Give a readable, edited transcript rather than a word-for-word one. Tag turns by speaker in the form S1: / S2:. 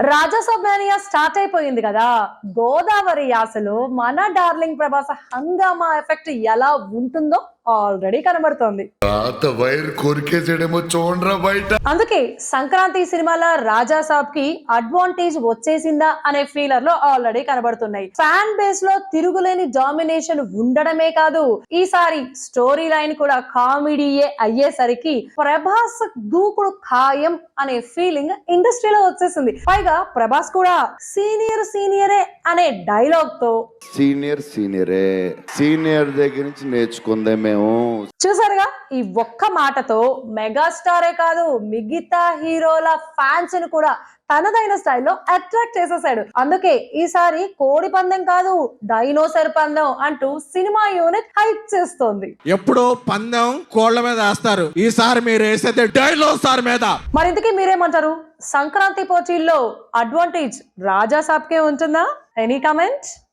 S1: Raja Saab mania start అయిపోయింది కదా. గోదావరి యాసలో మన డార్లింగ్ ప్రభాస్ హంగామా ఎఫెక్ట్ ఎలా ఉంటుందో ఆల్రెడీ కనబడుతోంది.
S2: వైర్ కొరికేసేడేమో చూడరా బయట.
S1: అందుకే సంక్రాంతి సినిమాల రాజాసాబ్ కి అడ్వాంటేజ్ వచ్చేసిందా అనే ఫీలర్ లో ఆల్రెడీ కనబడుతున్నాయి. ఫ్యాన్ బేస్ లో తిరుగులేని డామినేషన్ ఉండడమే కాదు, ఈసారి స్టోరీ లైన్ కూడా కామెడీయే అయ్యేసరికి ప్రభాస్ దూకుడు ఖాయం అనే ఫీలింగ్ ఇండస్ట్రీలో వచ్చేసింది. పైగా ప్రభాస్ కూడా సీనియరే అనే డైలాగ్ తో
S3: సీనియర్ దగ్గర నుంచి నేర్చుకుందే మేము.
S1: చూసారుగా, ఈ ఒక్క మాటతో మెగాస్టారే కాదు మిగతా హీరోల ఫ్యాన్స్ ని కూడా తనదైన స్టైల్లో అట్రాక్ట్ చేసేసాడు. అందుకే ఈసారి కోడి పందెం కాదు డైనోసర్ పందెం అంటూ సినిమా యూనిట్ హైప్ చేస్తోంది.
S4: ఎప్పుడో పందెం కోళ్ల మీద వేస్తారు, ఈసారి మీరు వేసేది డైనోసార్ మీద.
S1: మరింతకీ మీరేమంటారు? సంక్రాంతి పోటీల్లో అడ్వాంటేజ్ రాజాసాబ్కే ఉంటుందా? Any comment?